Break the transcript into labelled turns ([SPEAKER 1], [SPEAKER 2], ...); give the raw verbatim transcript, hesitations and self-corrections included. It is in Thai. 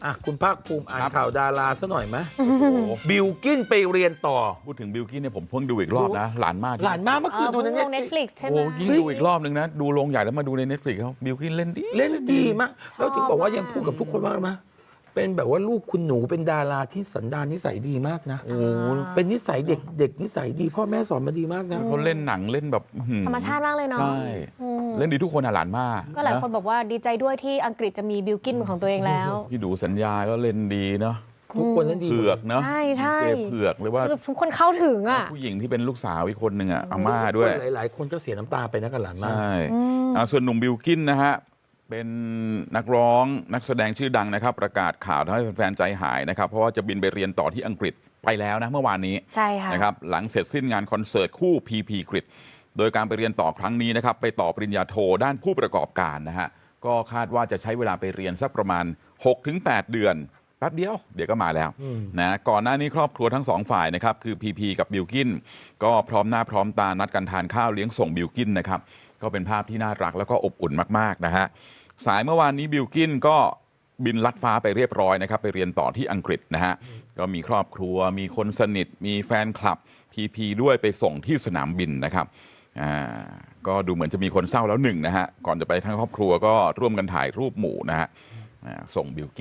[SPEAKER 1] อ่ะคุณภาคภูมิอ่านข่าวดาราซะหน่อยไหมบิลกิ้นไปเรียนต่อ
[SPEAKER 2] พูดถึงบิลกิ้นเนี่ยผมเพิ่งดูอีกรอบนะหลานมาก
[SPEAKER 1] หลานมากเมื่อคืนดูใน
[SPEAKER 3] เน็ตฟลิกซ์ใช่ไหม
[SPEAKER 2] โอ้ยิ่งดูอีกรอบนึงนะดูโรงใหญ่แล้วมาดูใน Netflix เขาบิลกิ้นเล่นดี
[SPEAKER 1] เล่นดีมากแล้วถึงบอกว่ายังพูดกับทุกคนว่าไหมเป็นแบบว่าลูกคุณหนูเป็นดาราที่สันดานนิสัยดีมากนะโอ้เป็นนิสัยเด็กเด็กนิสัยดีพ่อแม่สอนมาดีมากนะ
[SPEAKER 2] เขาเล่นหนังเล่นแบบ
[SPEAKER 3] ธรรมชาติมากเลยเนาะ
[SPEAKER 2] ใช่เล่นดีทุกคนอ่ะหลานมาก
[SPEAKER 3] ก็หลายคนบอกว่าดีใจด้วยที่อังกฤษจะมีบิลกิ้นเป็นของตัวเองแล้ว
[SPEAKER 2] พี่ดูสัญญาก็เล่นดีเนาะ
[SPEAKER 1] ทุกคนเล่นดี
[SPEAKER 2] เผือกเนาะ
[SPEAKER 3] ใช่ใช่
[SPEAKER 2] เผือกเลยว่า
[SPEAKER 3] ทุกคนเข้าถึงอ่ะ
[SPEAKER 2] ผู้หญิงที่เป็นลูกสาวอีกคนหนึ่งอ่ะอาม่าด้วย
[SPEAKER 1] หลายๆคนก็เสียน้ำตาไปนะกับหลานมาก
[SPEAKER 2] ใช่ส่วนหนุ่มบิลกิ้นนะฮะเป็นนักร้องนักแสดงชื่อดังนะครับประกาศข่าวทำให้แฟนๆใจหายนะครับเพราะว่าจะบินไปเรียนต่อที่อังกฤษไปแล้วนะเมื่อวานนี้
[SPEAKER 3] ใช่ค่ะ
[SPEAKER 2] นะครับหลังเสร็จสิ้นงานคอนเสิร์ตคู่ พี พี กริดโดยการไปเรียนต่อครั้งนี้นะครับไปต่อปริญญาโทด้านผู้ประกอบการนะฮะก็คาดว่าจะใช้เวลาไปเรียนสักประมาณ หกถึงแปด เดือนแป๊บเดียวเดี๋ยวก็มาแล้วนะก่อนหน้านี้ครอบครัวทั้งสองฝ่ายนะครับคือ พี พี กับบิลกิ้นก็พร้อมหน้าพร้อมตานัดกันทานข้าวเลี้ยงส่งบิลกิ้นนะครับก็เป็นภาพที่น่ารักแล้วก็อบอุ่นมากๆนะฮะสายเมื่อวานนี้บิลกิ้นก็บินลัดฟ้าไปเรียบร้อยนะครับไปเรียนต่อที่อังกฤษนะฮะก็มีครอบครัวมีคนสนิทมีแฟนคลับ พี พี ด้วยไปส่งที่สนามบินนะครับอ่าก็ดูเหมือนจะมีคนเศร้าแล้วหนึ่งนะฮะก่อนจะไปทั้งครอบครัวก็ร่วมกันถ่ายรูปหมู่นะฮะส่งบิลกิ้น